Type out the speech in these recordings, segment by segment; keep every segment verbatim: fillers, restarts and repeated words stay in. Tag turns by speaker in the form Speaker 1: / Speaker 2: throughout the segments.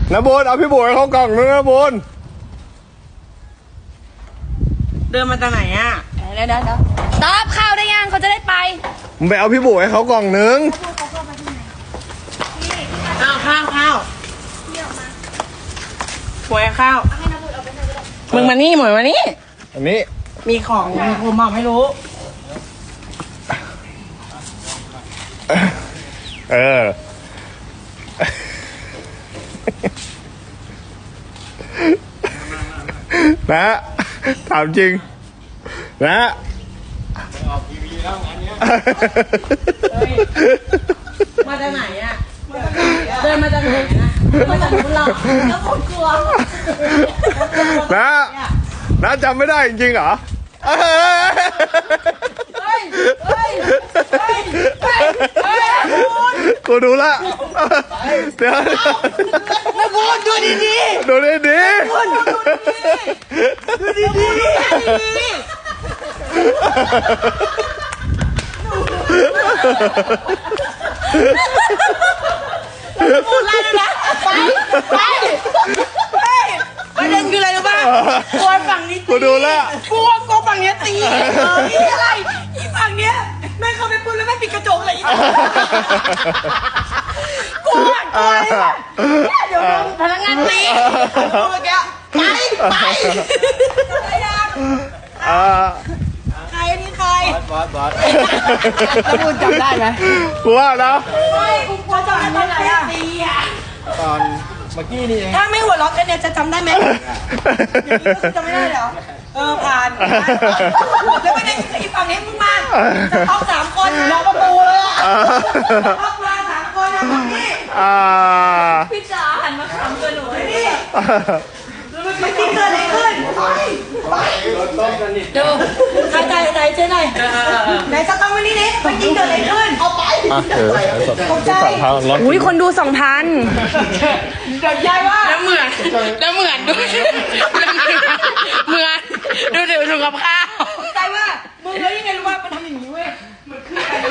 Speaker 1: นะบุญเอาพี่บุญให้เขากล่องนึงนะบุญ
Speaker 2: เดินมาจากไหนอ่ะ
Speaker 3: เดี๋ยวเดี๋ยวตอบข้าวได้ยังเขาจะได้ไป
Speaker 1: มึงไปเอาพี่บุญให้เขากล่องนึง
Speaker 2: ข้าวข้าวข้าวหวยข้าวมึงมานี่หมวยมานี่
Speaker 1: อันนี้
Speaker 2: มีของผมบอกไม่รู้
Speaker 1: เออนะถามจริงนะ
Speaker 2: ออกทีวีแล้วงานเนี้ยมาจากไหนอ่ะเดินมาจากไหนนะมาจากนู้นหรอแล้วคนกลัว
Speaker 1: นะนะจำไม่ได้จริงๆเหรอ
Speaker 2: เฮ้ยเฮ้ยเฮ้ยเฮ้ยเฮ้ย
Speaker 1: กูดูละเดี๋ยว
Speaker 2: ไม่พูดดูดีดี
Speaker 1: ดูดีดี
Speaker 2: ดูดีดีพูดอะไรนะไปไปไปประเด็นคืออะไรรู้ป่ะกลัวฝั่งนี้
Speaker 1: กูดูละ
Speaker 2: กลัวกลัวฝั่งนี้ตีเออนี่อะไรอีฝั่งเนี้ยแม่เข้าไปพูดแล้วแม่ปิดกระจกเลยกลัวกลัวเดี๋ยวพนักงานตีเมื่อกี้ไปไปใครนี่ใคร
Speaker 1: บอสบอส
Speaker 2: แล้วคุณจำได้ไหม
Speaker 1: กูว่านะ
Speaker 2: ไม่กูกลัวจำได้ไหมอะตีอะ
Speaker 1: ตอนเมื่อกี้นี่เอง
Speaker 2: ถ้าไม่หัวเราะกันเนี่ยจะจำได้ไหมอย่างนี้ก็จำไม่ได้เหรอเออผ่านแล้วไม่ได้อีฝั่งนี้มึงมาจะท็อปสามคนรอประตูเลยอะท็อปมาสามคนนะพี่
Speaker 3: พี่จ๋าหันมาขำกับหนู
Speaker 2: นี่มันจริงเกิดอะไรขึ้นไปดูใครใจใจเจ๊หน่อยไหนสต้องวันนี้นี่มันจริงเกิดอะไรขึ้นเอาไปตกใจ
Speaker 3: อุ้ยคนดูสองพัน
Speaker 2: เดี๋ยวยายว่า
Speaker 4: แล้วเหมือนแล้วเหมือนดูเหมือนดูเดี๋ยวดูกับข้าว
Speaker 2: ใจว่ามึงแล้วยังไงรู้ว่ามันทำอย่างนี้เว้ยมันคืออะไร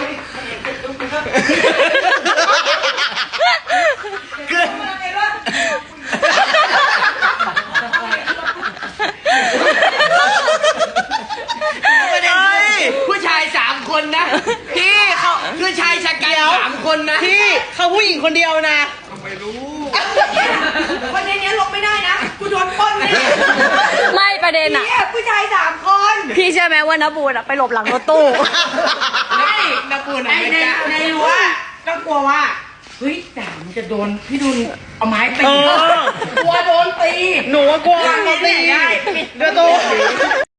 Speaker 2: เกิดมาไงวะ
Speaker 4: ผู้ชายสามคนนะพี่เขาคือชายชะกันสามคนนะ
Speaker 2: พี่เขาผู้หญิงคนเดียวนะไม่รู้วันนี้เนี้ยลงไม่ได้นะกูโดนปล้นเลย
Speaker 3: ไม่ประเด็นอะ
Speaker 2: ผู้ชายสามคน
Speaker 3: พี่เชื่อไหมว่าน้าบูนอะไปหลบหลังรถตู้
Speaker 2: ไม่น้าบูนในในรั้วก็กลัวว่าเฮ้ยแต่มันจะโดนพี่ดุลเอาไม้ตีกลัวโดนตี
Speaker 4: หนูกลัวโดนตี
Speaker 2: ได้ปิดประตู